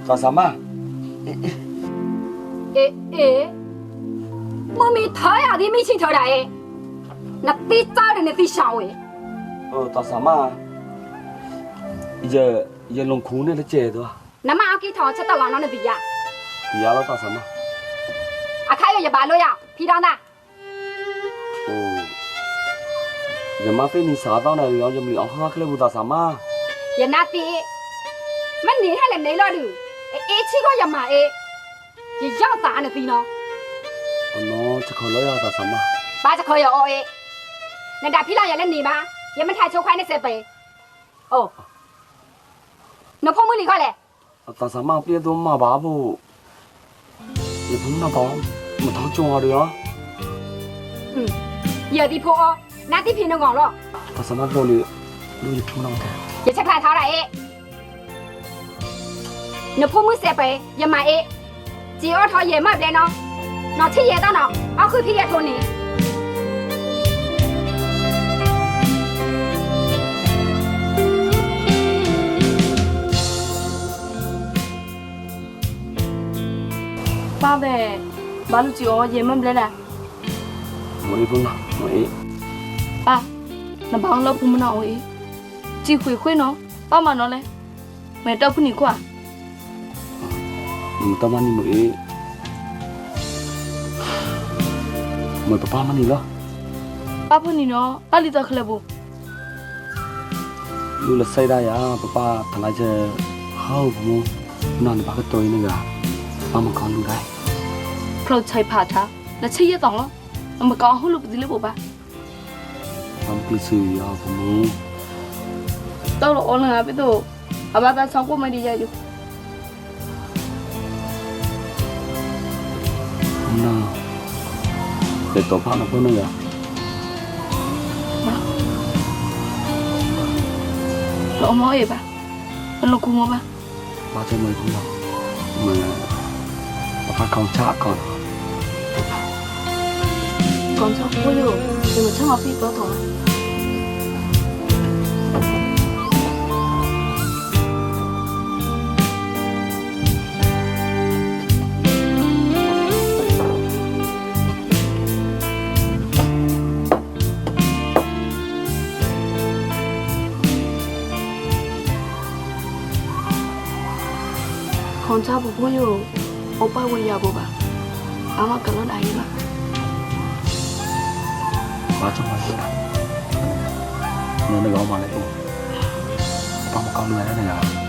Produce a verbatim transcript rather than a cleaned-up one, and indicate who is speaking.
Speaker 1: ta sama
Speaker 2: ê ê mà mi thấy à thì mi chỉ thấy đấy nó tí cha rồi nó tí sao ấy
Speaker 1: ờ ta sama giờ giờ lồng khú này là chè thôi
Speaker 2: nằm mà cái thằng chết tao nó nó bị à
Speaker 1: thì alo ta sama
Speaker 2: à khai giờ bà lo ya phi đan ta
Speaker 1: ồ giờ mà phải đi xả tao này rồi giờ mình ăn khác cái bữa ta sama
Speaker 2: giờ nát tí mình nhìn hay là lấy lo được ê ê chỉ có giờ mà ê giờ giang ta nó tí nó
Speaker 1: nó chắc không lấy ta sama
Speaker 2: baจะเคยเหรอเอนั่นดาพี่เราอย่าเล่นหนีมาอย่ามันถ่ายโชว์ควายในเซเปโอ้นพมือหลีก็แหละ
Speaker 1: ta sama biết đâu mà bà bu giờ cũng nó có một tháng chung được đó
Speaker 2: อืมอย่าตีโพอนาตีพี่นงองหรอ
Speaker 1: ta sama đâu đi đâu đi chung nào thế
Speaker 2: อย่าใช้พลายเท้าไรเอนพมือเซเปอย่ามาเอจีอ้อทอเย่มาเลยเนาะนอที่เย่ต้าเนาะเอาคือพี่เย่โทนี่
Speaker 3: ป้าเบ้บ้านลูกจีอ๋อเยี่ยมเลยนะ
Speaker 1: một ít phương nào một ít
Speaker 3: ป้าน้ำพังเราพูดมันเอาเองจีคุยคุยเนาะป้ามาเนาะเลยแม่เต้าพูดนี่กว่า
Speaker 1: mình tâm ăn đi một ít mời papa ăn đi lo
Speaker 3: ป้าพูดนี่เนาะป้าลิตาเคลบุ
Speaker 1: lu là say đây à papa thằng này chơi hao bố nằm đi bắt cái tôi nữa à ba mà con lu đây
Speaker 3: เพราะใช้ผ่าท้าแล้วใช้ยี่ต่องแล้วแล้วมันก็เอาหุ่นลูกดิลิบุป้า
Speaker 1: ba mà cứ xử à bố
Speaker 3: เต้าเราโอนเลยนะพี่ตู่อาบ้าตาสองกูไม่ดีใจอยู่
Speaker 1: nào để tổ pháp nó hơn nữa à
Speaker 3: เราเอามาเอ๋ป่ะมันลงคุมป่ะ
Speaker 1: ba cho mày không đâu mà papa còn chả còn
Speaker 3: ก่อนชอบพูดอยู่เดี๋ยวมันช่างเอาพี่ตัวถอย con trai bố bố yo oppa wo ya bố ba ama kalan ai ba
Speaker 1: ba cho mày nữa nó nó gõ mà lại tụ ba một con lười đó này à